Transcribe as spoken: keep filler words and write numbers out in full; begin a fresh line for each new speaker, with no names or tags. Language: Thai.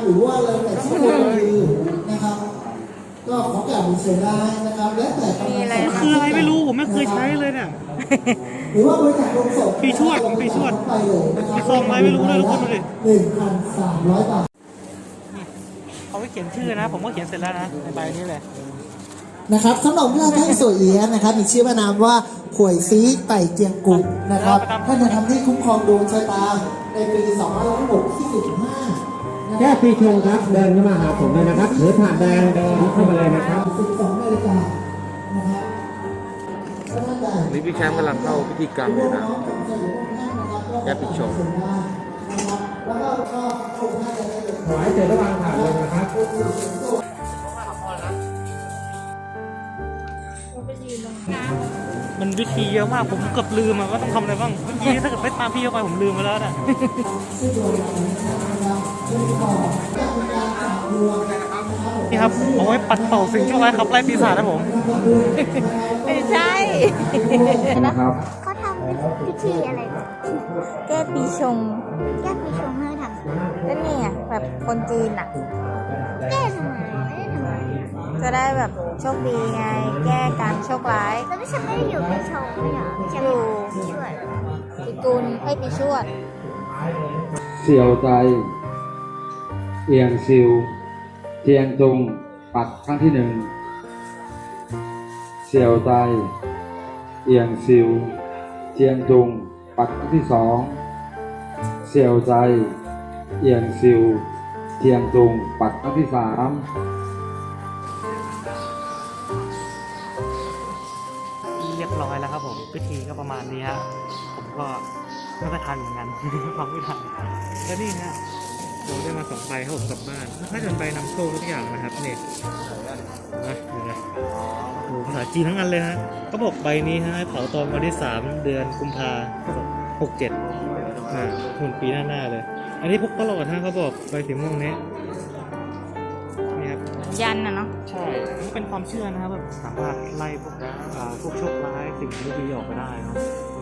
หรือว่าอะไรแต่ที่ควรคือนะครับก็ขอกล่าวเสียดายนะครับและแต่กำลังศรัทธา
คืออะไรไม่รู้ผมไม่เคยใช้เลยเนี่ย
หรือว่าบริจาคลงศพ
ปีชวดปีชวด
ไปเลยนะครับ
มีซองอะไรไม่รู้ด้วยทุกคนดูดิ
หนึ่งพันสามร้อยบาท
เขาไปเขียนชื่อนะผมก็เขียนเสร็จแล้วนะในใบนี้เลย
นะครับขนมที่เราให้สวยเอียะนะครับมีชื่อว่านามว่าขวยซีไต่เจียงกุ่นะครับท่านจะทำที่คุ้มครองดวงชะตาในปีสองพันหกที่สิบห้า
แค่ปีชงครับเดินเข้ามาหาผมเลยนะครับถือถาดแดงเดินเข้ามาเลยนะครับ
สิบสองนาฬิกานะครับ
นี่พี่แชมป์กำลังเข้าพิธีกรรมอยู่นะแก้ปีชง
ถวายเสร็จระหว่างถาดเลยนะครับ
มันวิธีเยอะมากผมเกือบลืมอะว่าต้องทำอะไรบ้างเมื่อกี้ถ้าเกิดไม่ตามพี่เข้าไปผมลืมไปแล้วนะนี่ครับเอาไว้ปัดเป่าสิ่งชั่วร้ายขับไล่ปีศาจนะผม
ไม่ใช่
นะครับ
เขาทำพิธีอะไรแก้ปีชง แก้ปีชงให้ทำก็เนี่ยแบบคนจีนอ่ะ แก้ทำไมไม่ได้ทำไมจะได้แบบโชคดีไง แก้การโชคร้ายแล้วไม่ใช่ไม่ได้อยู่ปีชงไม่เหรออยู่ช่วยปีกุลให้ปีชวด
เสี่ยวใจ เอียงซิว เทียงตุง ปัดครั้งที่หนึ่งเสี่ยวใจ เอียงซิว เทียงตุง ปัดครั้งที่สองเสี่ยวใจ เอียงซิว เทียงตุง ปัดครั้งที่สาม
เรียบร้อยแล้วครับผมพิธีก็ประมาณนี้ฮะผมก็ไม่ค่อยทันเหมือนกัน ฟังไม่ทันแล้วนี่ฮะเราได้มาสองใบครับผมกลับบ้านน่าจะเป็นใบนำโชคทุกอย่างนะครับเนี่ยนะเห็นไหมโอ้ภาษาจีนทั้งอันเลยฮะเขาบอกใบนี้ฮะให้เผาตอนวันที่สามเดือนกุมภาหกเจ็ดอ่าหุ่นปีหน้าๆเลย อันนี้พกตลอดฮะเขาบอกใบสีม่วงนี้นี่ครับ
ยันนะเนาะ
ใช่มันเป็นความเชื่อนะครับแบบสามารถไล่พวกอ่าพวกโชคร้ายสิ่งไม่ดีออกไปได้เนาะ